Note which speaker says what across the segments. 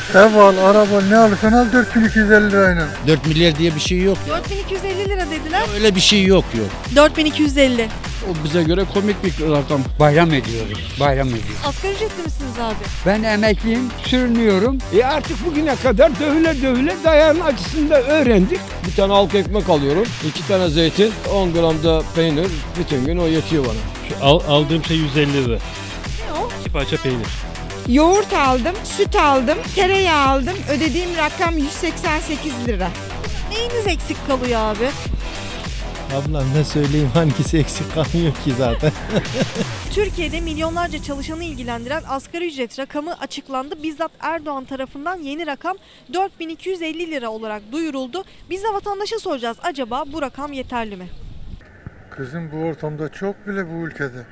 Speaker 1: Ev al, araba ne alırsan al 4250 lirayla.
Speaker 2: 4 milyar diye bir şey yok.
Speaker 3: 4250 lira dediler.
Speaker 2: Öyle bir şey yok.
Speaker 3: 4250.
Speaker 4: O bize göre komik bir rakam.
Speaker 5: Bayram ediyoruz, bayram ediyoruz.
Speaker 3: Asgari ücretli misiniz abi?
Speaker 5: Ben emekliyim, sürünüyorum.
Speaker 6: Artık bugüne kadar dövüle dövüle dayağın acısını da öğrendik.
Speaker 4: Bir tane halk ekmek alıyorum. 2 tane zeytin, 10 gram da peynir. Bütün gün o yetiyor bana.
Speaker 7: Aldığım şey 150 lira.
Speaker 3: Ne o?
Speaker 7: 2 parça peynir.
Speaker 8: Yoğurt aldım, süt aldım, tereyağı aldım. Ödediğim rakam 188 lira.
Speaker 3: Neyiniz eksik kalıyor abi?
Speaker 9: Ablam ne söyleyeyim, hangisi eksik kalmıyor ki zaten.
Speaker 3: Türkiye'de milyonlarca çalışanı ilgilendiren asgari ücret rakamı açıklandı. Bizzat Erdoğan tarafından yeni rakam 4250 lira olarak duyuruldu. Biz de vatandaşa soracağız, acaba bu rakam yeterli mi?
Speaker 1: Kızım bu ortamda çok bile bu ülkede.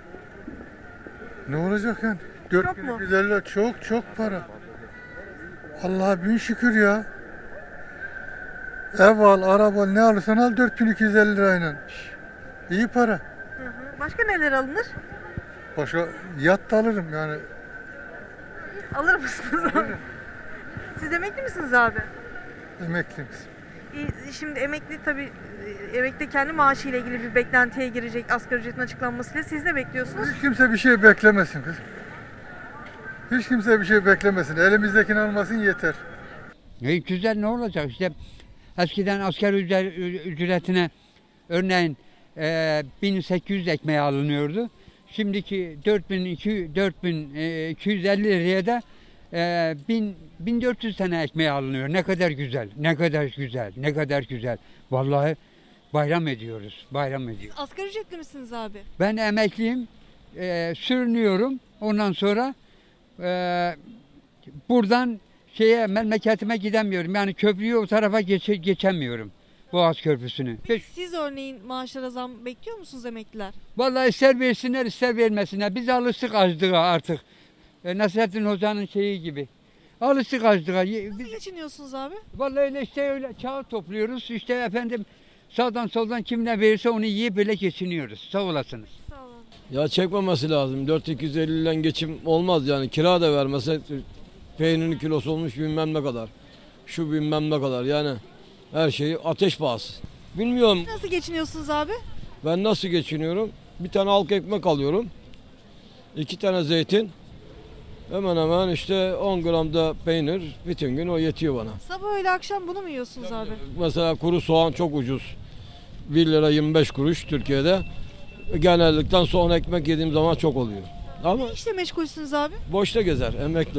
Speaker 1: Ne olacak yani? 4250 lira çok para. Allah'a bin şükür ya. Ev al, araba ne alırsan al 4250 lirayla. İyi para.
Speaker 3: Başka neler alınır?
Speaker 1: Başka yat da alırım yani.
Speaker 3: Alır mısınız abi? Siz emekli misiniz abi?
Speaker 1: Emekliyim.
Speaker 3: Şimdi emekli tabii, emekli kendi maaşıyla ilgili bir beklentiye girecek asgari ücretin açıklanmasıyla. Siz ne bekliyorsunuz?
Speaker 1: Hiç kimse bir şey beklemesin kızım. Hiç kimse bir şey beklemesin. Elimizdekini almasın yeter.
Speaker 5: Güzel, ne olacak işte. Eskiden asgari ücretine örneğin 1800 ekmeği alınıyordu. Şimdiki 4250 liraya da 1400 tane ekmeği alınıyor. Ne kadar güzel, ne kadar güzel, ne kadar güzel. Vallahi bayram ediyoruz, bayram ediyoruz.
Speaker 3: Asgari ücretli misiniz abi?
Speaker 5: Ben emekliyim, sürünüyorum. Ondan sonra buradan memleketime gidemiyorum. Yani köprüyü o tarafa geçemiyorum. Boğaz Köprüsü'nü.
Speaker 3: Peki siz örneğin maaşlara zam bekliyor musunuz emekliler?
Speaker 5: Vallahi ister versinler ister vermesinler. Biz alıştık açlığa artık. Nasrettin Hoca'nın şeyi gibi. Alıştık açlığa.
Speaker 3: Nasıl geçiniyorsunuz abi?
Speaker 5: Vallahi öyle kağıt topluyoruz. İşte efendim sağdan soldan kim ne verirse onu yiyip böyle geçiniyoruz. Sağ olasınız.
Speaker 3: Sağ olun.
Speaker 4: Ya çekmemesi lazım. 4250 ile geçim olmaz yani. Kira da vermese peynirin kilosu olmuş bilmem ne kadar. Şu bilmem ne kadar yani. Her şeyi ateş pahası. Bilmiyorum
Speaker 3: Nasıl geçiniyorsunuz abi?
Speaker 4: ben nasıl geçiniyorum. Bir tane halk ekmek alıyorum. 2 tane zeytin. Hemen hemen işte 10 gram da peynir. Bütün gün o yetiyor bana.
Speaker 3: Sabah öğle akşam bunu mu yiyorsunuz abi?
Speaker 4: Mesela kuru soğan çok ucuz. 1 lira 25 kuruş Türkiye'de. Genellikle soğan ekmek yediğim zaman çok oluyor. Ama
Speaker 3: Ne işle meşgulsünüz abi?
Speaker 4: boşta gezer emekli.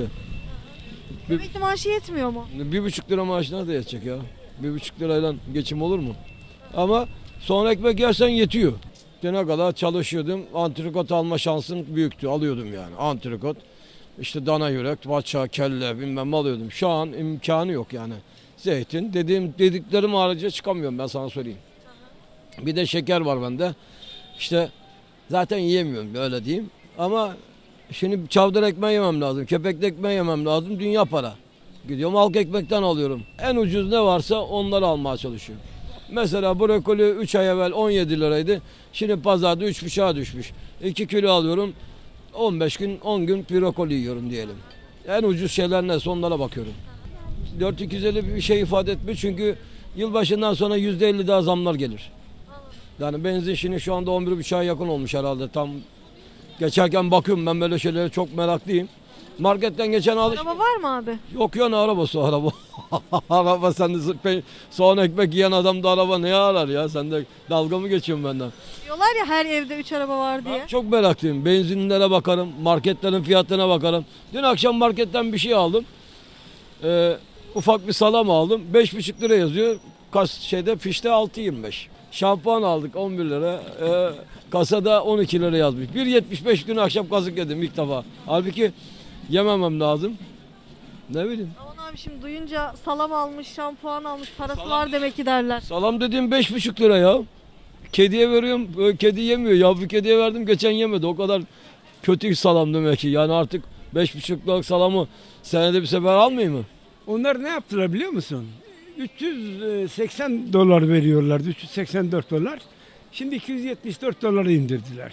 Speaker 3: Emekli maaşı yetmiyor mu?
Speaker 4: 1,5 lira maaş nerede yetecek ya? 1,5 lirayla geçim olur mu? Ama soğan ekmek yersen yetiyor. Ne kadar çalışıyordum. Antrikot alma şansım büyüktü. Alıyordum yani antrikot. İşte dana yürek, baça, kelle bilmem ne alıyordum. Şu an imkanı yok yani. Zeytin dediklerim harici çıkamıyorum ben sana söyleyeyim. Bir de şeker var bende. İşte zaten yiyemiyorum öyle diyeyim. Ama şimdi çavdar ekmeği yemem lazım. Kepekli ekmeği yemem lazım. Dünya para. Gidiyorum halk ekmekten alıyorum. En ucuz ne varsa onları almaya çalışıyorum. Mesela brokoli 3 ay evvel 17 liraydı. Şimdi pazarda 3,5'a düşmüş. 2 kilo alıyorum. 15 gün 10 gün brokoli yiyorum diyelim. En ucuz şeyler neyse onlara bakıyorum. 4250 bir şey ifade etmiyor çünkü yılbaşından sonra %50 daha zamlar gelir. Yani benzin şimdi şu anda 11,5'a yakın olmuş herhalde. Tam geçerken bakıyorum ben böyle şeylere çok meraklıyım. Marketten geçen
Speaker 3: Araba var mı abi?
Speaker 4: Yok ya ne arabası araba. Araba sen de soğan ekmek yiyen adam da araba ne arar ya? Sen de dalga mı geçiyorsun benden?
Speaker 3: Diyorlar ya her evde 3 araba var diye.
Speaker 4: Ben çok meraklıyım. Benzinlere bakarım, marketlerin fiyatlarına bakarım. Dün akşam marketten bir şey aldım. Ufak bir salam aldım. 5,5 lira yazıyor. Fişte 6,25. Şampuan aldık 11 lira. Kasada 12 lira yazmış. 1,75 dün akşam kazık yedim ilk defa. Halbuki yememem lazım. Ne bileyim.
Speaker 3: Aman abi şimdi duyunca salam almış, şampuan almış, parası var demek ki derler.
Speaker 4: Salam dediğim 5,5 lira ya. Kediye veriyorum. Kedi yemiyor. Yavru kediye verdim geçen yemedi. O kadar kötü salam demek ki. Yani artık 5,5 liralık salamı senede bir sefer almayayım mı?
Speaker 6: Onlar ne yaptılar biliyor musun? 380 dolar veriyorlardı, 384 dolar. Şimdi 274 dolara indirdiler.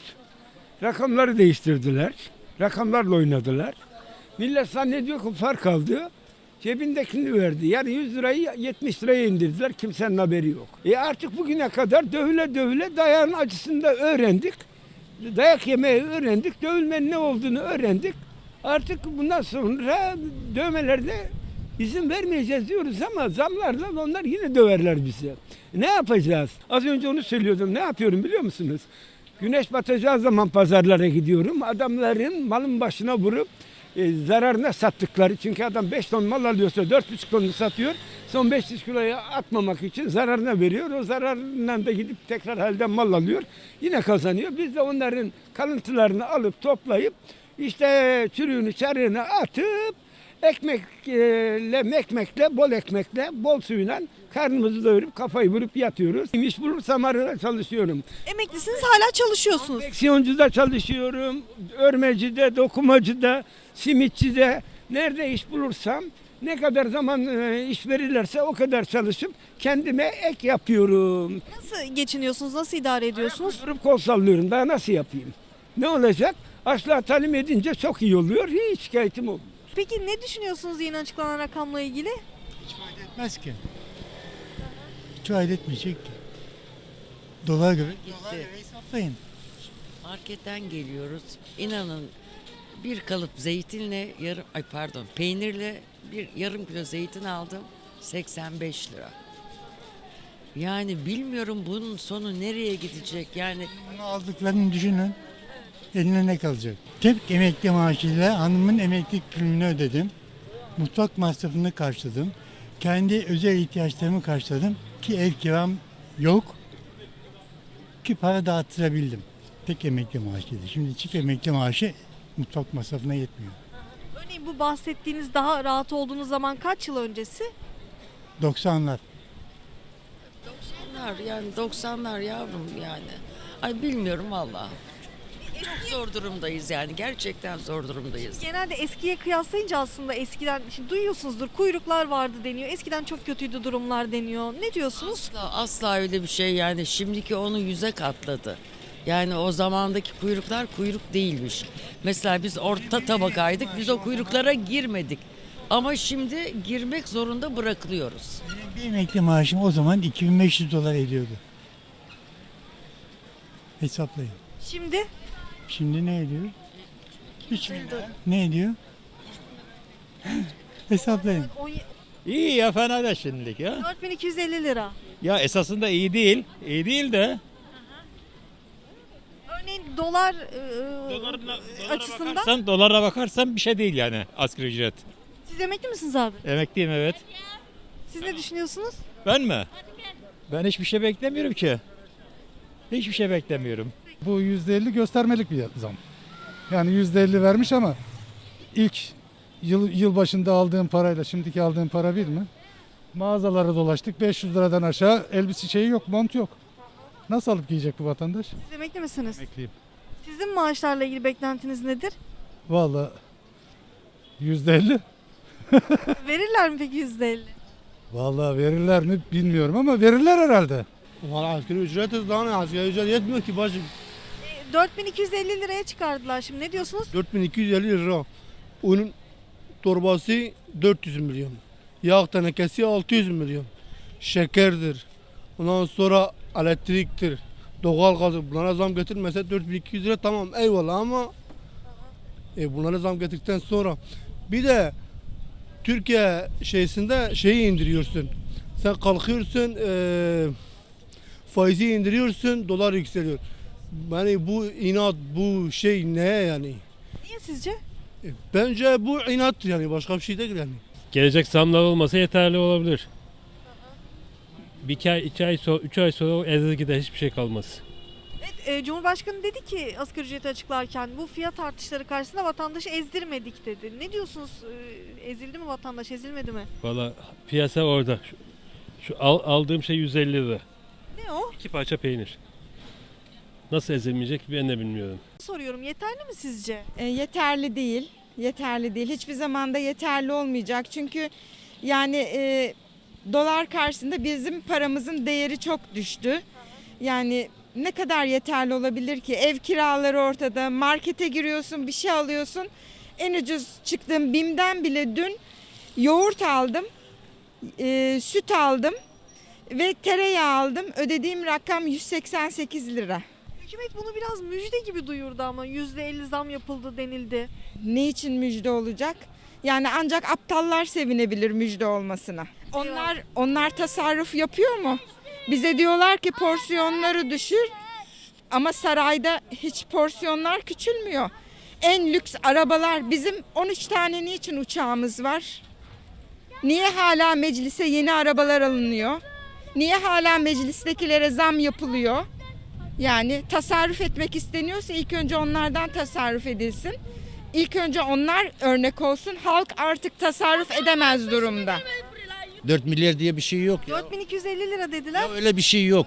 Speaker 6: Rakamları değiştirdiler. Rakamlarla oynadılar. Millet zannediyor ki fark aldı. Cebindekini verdi. Yani 100 lirayı 70 liraya indirdiler. Kimsenin haberi yok. Artık bugüne kadar dövüle dövüle dayağın acısını da öğrendik. Dayak yemeyi öğrendik. Dövülmenin ne olduğunu öğrendik. Artık bundan sonra dövmelerde izin vermeyeceğiz diyoruz ama zamlarla onlar yine döverler bizi. Ne yapacağız? Az önce onu söylüyordum. Ne yapıyorum biliyor musunuz? Güneş batacağı zaman pazarlara gidiyorum. Adamların malın başına vurup zararına sattıkları. Çünkü adam 5 ton mal alıyorsa 4,5 tonunu satıyor. Son 500 kiloya atmamak için zararına veriyor. O zararından da gidip tekrar halden mal alıyor. Yine kazanıyor. Biz de onların kalıntılarını alıp toplayıp işte çürüğünü çarığını atıp ekmekle, bol ekmekle, bol suyla karnımızı doyurup kafayı vurup yatıyoruz. İş bulursam arada çalışıyorum.
Speaker 3: Emeklisiniz, hala çalışıyorsunuz.
Speaker 6: Konfeksiyoncuda çalışıyorum, örmecide, dokumacıda, simitçide. Nerede iş bulursam, ne kadar zaman iş verirlerse o kadar çalışıp kendime ek yapıyorum.
Speaker 3: Nasıl geçiniyorsunuz, nasıl idare ediyorsunuz?
Speaker 6: Durup kol sallıyorum, daha nasıl yapayım? Ne olacak? Açlığa talim edince çok iyi oluyor, hiç şikayetim olmuyor.
Speaker 3: Peki ne düşünüyorsunuz yeni açıklanan rakamla ilgili?
Speaker 10: Hiç fayda etmez ki. Hiç fayda etmeyecek ki. Dolar göre hesaplayın.
Speaker 11: Marketten geliyoruz. İnanın bir kalıp zeytinle peynirle bir yarım kilo zeytin aldım. 85 lira. Yani bilmiyorum bunun sonu nereye gidecek. Yani
Speaker 10: Bunu aldıklarını düşünün. Eline ne kalacak? Tek emekli maaşıyla hanımın emeklilik primini ödedim. Mutfak masrafını karşıladım. Kendi özel ihtiyaçlarımı karşıladım. Ki ev kiram yok. Ki para dağıttırabildim. Tek emekli maaşıydı. Şimdi çift emekli maaşı mutfak masrafına yetmiyor.
Speaker 3: Örneğin bu bahsettiğiniz daha rahat olduğunuz zaman kaç yıl öncesi?
Speaker 10: 90'lar.
Speaker 11: 90'lar yavrum yani. Ay bilmiyorum valla. Çok zor durumdayız yani. Gerçekten zor durumdayız.
Speaker 3: Genelde eskiye kıyaslayınca aslında eskiden, şimdi duyuyorsunuzdur, kuyruklar vardı deniyor. Eskiden çok kötüydü durumlar deniyor. Ne diyorsunuz?
Speaker 11: Asla öyle bir şey yani. Şimdiki onu 100'e katladı. Yani o zamandaki kuyruklar kuyruk değilmiş. Mesela biz orta tabakaydık. Biz o kuyruklara girmedik. Ama şimdi girmek zorunda bırakılıyoruz.
Speaker 10: Benim bir emekli maaşım o zaman 2500 dolar ediyordu. Hesaplayın.
Speaker 3: Şimdi
Speaker 10: Şimdi ne ediyor? 3000 lira. Ne ediyor? Hesaplayın.
Speaker 2: İyi ya, fena da şimdilik ya.
Speaker 3: 4250 lira.
Speaker 2: Ya esasında iyi değil. İyi değil de.
Speaker 3: Örneğin dolar açısından.
Speaker 2: Dolara bakarsan bir şey değil yani asgari ücret.
Speaker 3: Siz emekli misiniz abi?
Speaker 2: Emekliyim, evet.
Speaker 3: Siz ne düşünüyorsunuz?
Speaker 2: Ben mi? Ben hiçbir şey beklemiyorum ki. Hiçbir şey beklemiyorum.
Speaker 1: Bu %50 göstermelik bir zam. Yani %50 vermiş ama ilk yıl başında aldığım parayla şimdiki aldığım para bir mi? Mağazalara dolaştık, 500 liradan aşağı elbise şeyi yok, mont yok. Nasıl alıp giyecek bu vatandaş?
Speaker 3: Siz emekli misiniz?
Speaker 1: Emekliyim.
Speaker 3: Sizin maaşlarla ilgili beklentiniz nedir?
Speaker 1: Vallahi %50.
Speaker 3: Verirler mi peki %50?
Speaker 1: Vallahi verirler mi bilmiyorum ama verirler herhalde.
Speaker 9: Valla asgari ücret daha ne? Asgari ücret yetmiyor ki bacım.
Speaker 3: 4250 liraya çıkardılar şimdi, ne diyorsunuz?
Speaker 9: 4250 lira. Onun torbası 400 milyon. Yağ tenekesi 600 milyon. Şekerdir. Ondan sonra elektriktir. Doğalgazı. Bunlara zam getirmese 4200 lira tamam eyvallah ama bunlara zam getirdikten sonra bir de Türkiye şeyi indiriyorsun. Sen kalkıyorsun faizi indiriyorsun, dolar yükseliyor. Yani bu inat, bu şey ne yani?
Speaker 3: Niye sizce?
Speaker 9: Bence bu inat yani, başka bir şey değil yani.
Speaker 7: Gelecek zamlar olmasa yeterli olabilir. Bir ay, 2 ay sonra, 3 ay sonra o ezildi gider, hiçbir şey kalmaz.
Speaker 3: Evet, Cumhurbaşkanı dedi ki asgari ücreti açıklarken bu fiyat artışları karşısında vatandaşı ezdirmedik dedi. Ne diyorsunuz? Ezildi mi vatandaş, ezilmedi mi?
Speaker 7: Valla piyasa orada. Şu aldığım şey 150 lira.
Speaker 3: Ne o?
Speaker 7: 2 parça peynir. Nasıl ezilmeyecek ben de bilmiyorum.
Speaker 3: Soruyorum, yeterli mi sizce?
Speaker 8: Yeterli değil. Yeterli değil. Hiçbir zamanda yeterli olmayacak. Çünkü yani dolar karşısında bizim paramızın değeri çok düştü. Yani ne kadar yeterli olabilir ki? Ev kiraları ortada. Markete giriyorsun, bir şey alıyorsun. En ucuz çıktığım BİM'den bile dün yoğurt aldım, süt aldım ve tereyağı aldım. Ödediğim rakam 188 lira.
Speaker 3: Hükümet bunu biraz müjde gibi duyurdu ama %50 zam yapıldı denildi.
Speaker 8: Ne için müjde olacak? Yani ancak aptallar sevinebilir müjde olmasına. Onlar tasarruf yapıyor mu? Bize diyorlar ki porsiyonları düşür ama sarayda hiç porsiyonlar küçülmüyor. En lüks arabalar, bizim 13 tane niçin uçağımız var? Niye hala meclise yeni arabalar alınıyor? Niye hala meclistekilere zam yapılıyor? Yani tasarruf etmek isteniyorsa ilk önce onlardan tasarruf edilsin. İlk önce onlar örnek olsun. Halk artık tasarruf edemez durumda.
Speaker 12: 4 milyar diye bir şey yok ya.
Speaker 3: 4250 lira dediler.
Speaker 12: Ya öyle bir şey yok.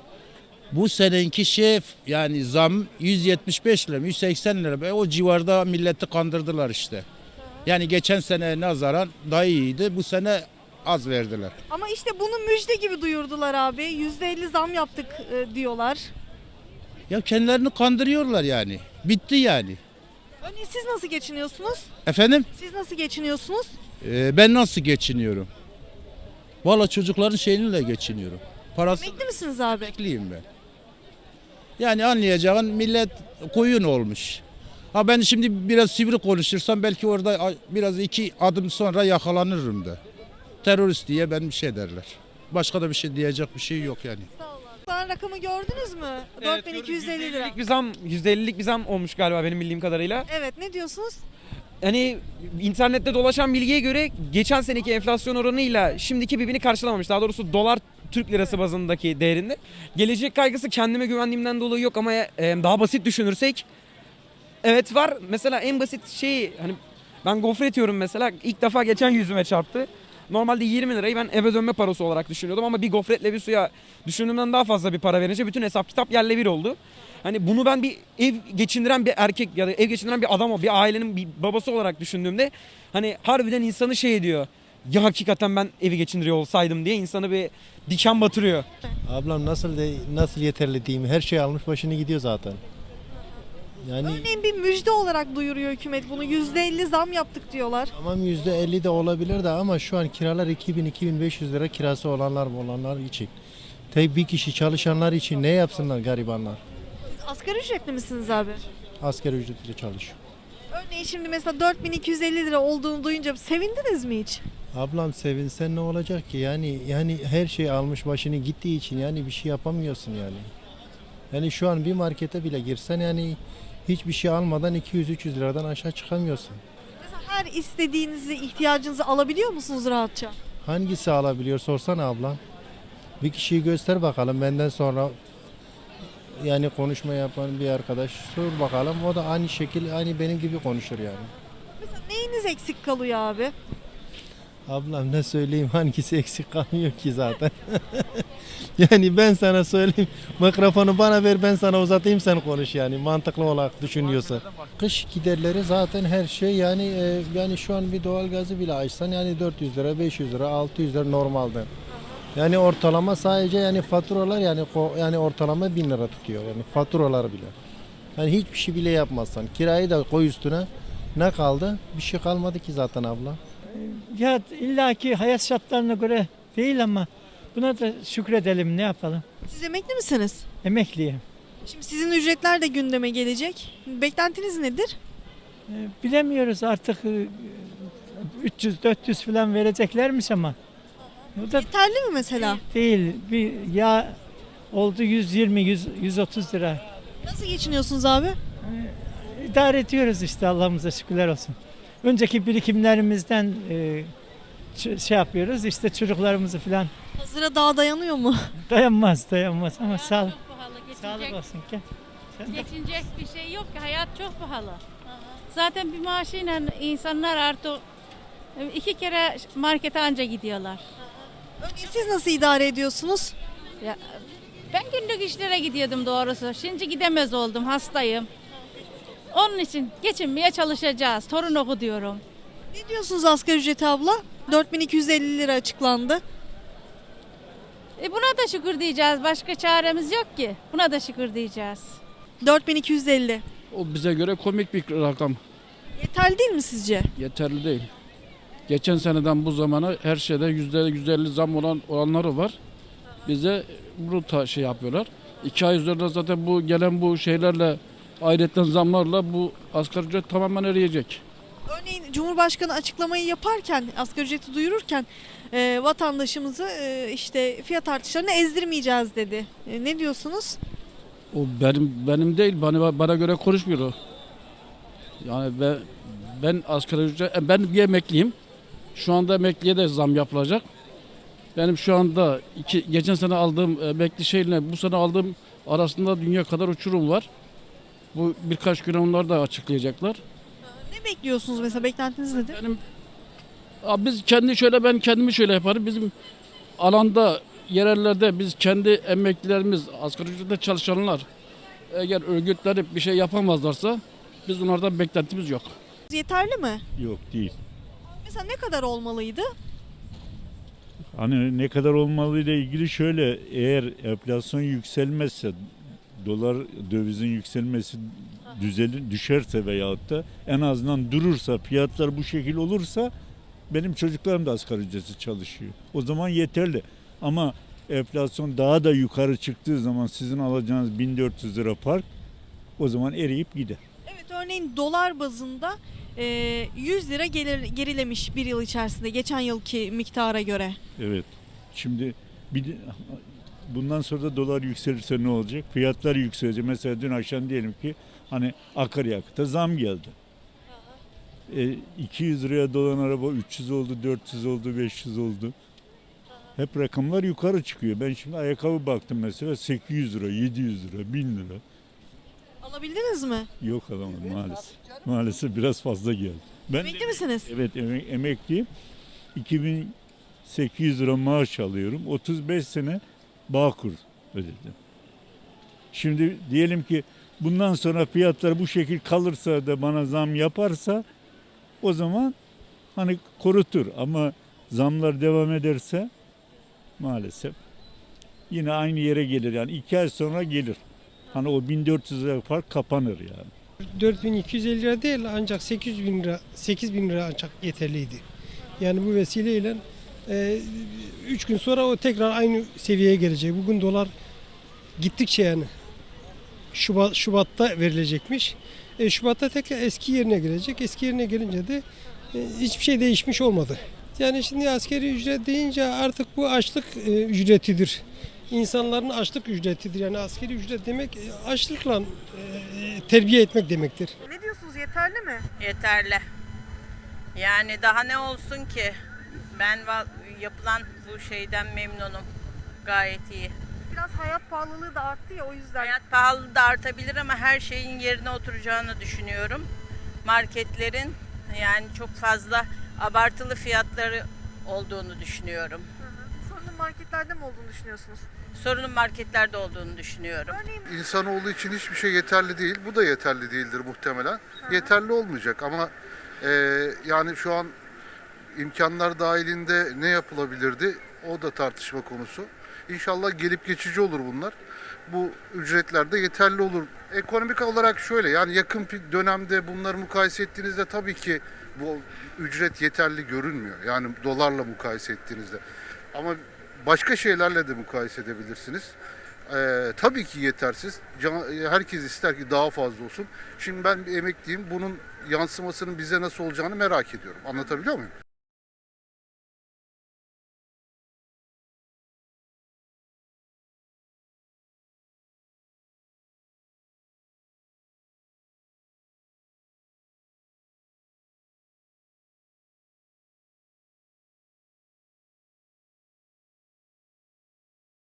Speaker 12: Bu seneki yani zam 175 lira 180 lira. O civarda milleti kandırdılar işte. Yani geçen sene nazaran daha iyiydi. Bu sene az verdiler.
Speaker 3: Ama işte bunu müjde gibi duyurdular abi. %50 zam yaptık diyorlar.
Speaker 12: Ya kendilerini kandırıyorlar yani. Bitti yani.
Speaker 3: Örneğin siz nasıl geçiniyorsunuz?
Speaker 12: Efendim?
Speaker 3: Siz nasıl geçiniyorsunuz?
Speaker 12: Ben nasıl geçiniyorum? Valla çocukların şeyiyle geçiniyorum. Parası
Speaker 3: Emekli misiniz abi?
Speaker 12: emekliyim ben. Yani anlayacağın millet koyun olmuş. Ha ben şimdi biraz sivri konuşursam belki orada biraz 2 adım sonra yakalanırım da. Terörist diye ben bir şey derler. Başka da bir şey diyecek bir şey yok yani.
Speaker 3: Sen rakamı gördünüz mü? 4250 lira.
Speaker 13: %50'lik bir zam olmuş galiba benim bildiğim kadarıyla.
Speaker 3: Evet, ne diyorsunuz?
Speaker 13: Hani internette dolaşan bilgiye göre geçen seneki enflasyon oranıyla şimdiki birbirini karşılamamış. Daha doğrusu dolar Türk lirası bazındaki değerinde. Gelecek kaygısı kendime güvendiğimden dolayı yok ama daha basit düşünürsek evet var. Mesela en basit şey hani ben gofret yiyorum mesela ilk defa geçen yüzüme çarptı. Normalde 20 lirayı ben eve dönme parası olarak düşünüyordum ama bir gofretle bir suya düşündüğümden daha fazla bir para verince bütün hesap kitap yerle bir oldu. Hani bunu ben bir ev geçindiren bir erkek ya da ev geçindiren bir adam, bir ailenin bir babası olarak düşündüğümde hani harbiden insanı şey ediyor. Ya hakikaten ben evi geçindiriyor olsaydım diye insanı bir diken batırıyor.
Speaker 14: Ablam nasıl yeterli diyeyim, her şey almış başını gidiyor zaten. Yani
Speaker 3: Örneğin bir müjde olarak duyuruyor hükümet bunu. %50 zam yaptık diyorlar.
Speaker 14: tamam %50 de olabilir de ama şu an kiralar 2000-2500 lira kirası olanlar için. Tabii bir kişi çalışanlar için ne yapsınlar garibanlar?
Speaker 3: Siz asgari ücretli misiniz abi?
Speaker 14: Asgari ücretle çalışıyor.
Speaker 3: Örneğin şimdi mesela 4250 lira olduğunu duyunca sevindiniz mi hiç?
Speaker 14: Ablam sevinsen ne olacak ki? Yani her şey almış başını gittiği için yani bir şey yapamıyorsun yani. Yani şu an bir markete bile girsen yani hiçbir şey almadan 200-300 liradan aşağı çıkamıyorsun.
Speaker 3: Mesela her istediğinizi, ihtiyacınızı alabiliyor musunuz rahatça?
Speaker 14: Hangisi alabiliyor sorsana abla. Bir kişiyi göster bakalım benden sonra yani konuşma yapan bir arkadaş sor bakalım. O da aynı şekilde aynı benim gibi konuşur yani.
Speaker 3: Mesela neyiniz eksik kalıyor abi?
Speaker 14: Ablam ne söyleyeyim hangisi eksik kalmıyor ki zaten. Yani ben sana söyleyeyim mikrofonu bana ver ben sana uzatayım sen konuş yani mantıklı olarak düşünüyorsan. Kış giderleri zaten her şey yani şu an bir doğalgazı bile açsan yani 400 lira 500 lira 600 lira normalde. Yani ortalama sadece yani faturalar yani ortalama 1000 lira tutuyor yani faturalar bile. Yani hiçbir şey bile yapmazsan kirayı da koy üstüne ne kaldı? Bir şey kalmadı ki zaten abla.
Speaker 15: Ya illaki hayat şartlarına göre değil ama buna da şükredelim ne yapalım.
Speaker 3: Siz emekli misiniz?
Speaker 15: Emekliyim.
Speaker 3: Şimdi sizin ücretler de gündeme gelecek. Beklentiniz nedir?
Speaker 15: Bilemiyoruz artık 300-400 falan vereceklermiş ama. O da
Speaker 3: Yeterli mi mesela?
Speaker 15: değil. Bir yağ oldu 120-130 lira.
Speaker 3: Nasıl geçiniyorsunuz abi?
Speaker 15: İdare ediyoruz işte Allah'ımıza şükürler olsun. Önceki birikimlerimizden şey yapıyoruz işte çocuklarımızı falan.
Speaker 3: Hazıra daha dayanıyor mu?
Speaker 15: Dayanmaz ama sağlık
Speaker 16: Geçinecek,
Speaker 15: olsun ki.
Speaker 16: geçinecek bir şey yok ki. Hayat çok pahalı. Zaten bir maaşıyla insanlar artık 2 kere markete anca gidiyorlar.
Speaker 3: Örneğin siz nasıl idare ediyorsunuz?
Speaker 16: Ya, ben günlük işlere gidiyordum doğrusu. Şimdi gidemez oldum, hastayım. Onun için geçinmeye çalışacağız. Torun oku diyorum.
Speaker 3: Ne diyorsunuz asgari ücreti abla? 4250 lira açıklandı.
Speaker 16: Buna da şükür diyeceğiz. Başka çaremiz yok ki. Buna da şükür diyeceğiz.
Speaker 3: 4250.
Speaker 17: O bize göre komik bir rakam.
Speaker 3: Yeterli değil mi sizce?
Speaker 17: Yeterli değil. Geçen seneden bu zamana her şeyde %150 zam olanları var. Bize bunu şey yapıyorlar. 2 ay üzerinde zaten bu gelen bu şeylerle ayrıca zamlarla bu asgari ücret tamamen eriyecek.
Speaker 3: Örneğin Cumhurbaşkanı açıklamayı yaparken, asgari ücreti duyururken vatandaşımızı işte fiyat artışlarını ezdirmeyeceğiz dedi. Ne diyorsunuz?
Speaker 17: O benim değil, bana göre konuşmuyor o. Yani ben asgari ücret, ben bir emekliyim. Şu anda emekliye de zam yapılacak. Benim şu anda geçen sene aldığım emekli şeyle bu sene aldığım arasında dünya kadar uçurum var. Bu birkaç gün onlar da açıklayacaklar.
Speaker 3: Ne bekliyorsunuz mesela? Beklentiniz nedir?
Speaker 17: Ben kendimi şöyle yaparım. Bizim alanda, yerellerde biz kendi emeklilerimiz, asgari ücretle çalışanlar eğer örgütlenip bir şey yapamazlarsa biz onlardan beklentimiz yok.
Speaker 3: Yeterli mi?
Speaker 18: Yok değil.
Speaker 3: Mesela ne kadar olmalıydı?
Speaker 18: Hani ne kadar olmalı ile ilgili şöyle, eğer enflasyon yükselmezse, dolar dövizin yükselmesi düşerse veyahut da en azından durursa, fiyatlar bu şekil olursa benim çocuklarım da asgari ücretsiz çalışıyor. O zaman yeterli. Ama enflasyon daha da yukarı çıktığı zaman sizin alacağınız 1400 lira fark o zaman eriyip gider.
Speaker 3: Evet, örneğin dolar bazında 100 lira gerilemiş bir yıl içerisinde geçen yılki miktara göre.
Speaker 18: Evet. Şimdi bundan sonra da dolar yükselirse ne olacak? Fiyatlar yükselecek. Mesela dün akşam diyelim ki hani akaryakıta zam geldi. 200 liraya dolan araba 300 oldu, 400 oldu, 500 oldu. Hep rakamlar yukarı çıkıyor. Ben şimdi ayakkabı baktım mesela 800 lira, 700 lira, 1000 lira.
Speaker 3: Alabildiniz mi?
Speaker 18: Yok alamadım maalesef. Maalesef biraz fazla geldi.
Speaker 3: Emekli misiniz?
Speaker 18: Evet emekliyim. 2800 lira maaş alıyorum. 35 sene Bağkur ödedim. Şimdi diyelim ki bundan sonra fiyatlar bu şekil kalırsa da bana zam yaparsa o zaman hani korutur ama zamlar devam ederse maalesef yine aynı yere gelir. Yani 2 ay sonra gelir. Hani o 1400 lira fark kapanır yani.
Speaker 19: 4250 lira değil ancak 8000 lira ancak yeterliydi. Yani bu vesileyle 3 gün sonra o tekrar aynı seviyeye gelecek. Bugün dolar gittikçe yani Şubat'ta verilecekmiş. Şubat'ta tekrar eski yerine gelecek. Eski yerine gelince de hiçbir şey değişmiş olmadı. Yani şimdi asgari ücret deyince artık bu açlık ücretidir. İnsanların açlık ücretidir. Yani asgari ücret demek açlıkla terbiye etmek demektir.
Speaker 3: Ne diyorsunuz, yeterli mi?
Speaker 20: Yeterli. Yani daha ne olsun ki? Ben yapılan bu şeyden memnunum. Gayet iyi.
Speaker 3: Biraz hayat pahalılığı da arttı ya, o yüzden.
Speaker 20: Hayat pahalılığı da artabilir ama her şeyin yerine oturacağını düşünüyorum. Marketlerin yani çok fazla abartılı fiyatları olduğunu düşünüyorum.
Speaker 3: Sorunun marketlerde mi olduğunu düşünüyorsunuz?
Speaker 20: Sorunun marketlerde olduğunu düşünüyorum.
Speaker 21: İnsanoğlu için hiçbir şey yeterli değil. Bu da yeterli değildir muhtemelen. Yeterli olmayacak ama yani şu an imkanlar dahilinde ne yapılabilirdi? O da tartışma konusu. İnşallah gelip geçici olur bunlar. Bu ücretler de yeterli olur. Ekonomik olarak şöyle, yani yakın bir dönemde bunları mukayese ettiğinizde tabii ki bu ücret yeterli görünmüyor. Yani dolarla mukayese ettiğinizde. Ama başka şeylerle de mukayese edebilirsiniz. Tabii ki yetersiz. Herkes ister ki daha fazla olsun. Şimdi ben bir emekliyim. Bunun yansımasının bize nasıl olacağını merak ediyorum. Anlatabiliyor muyum?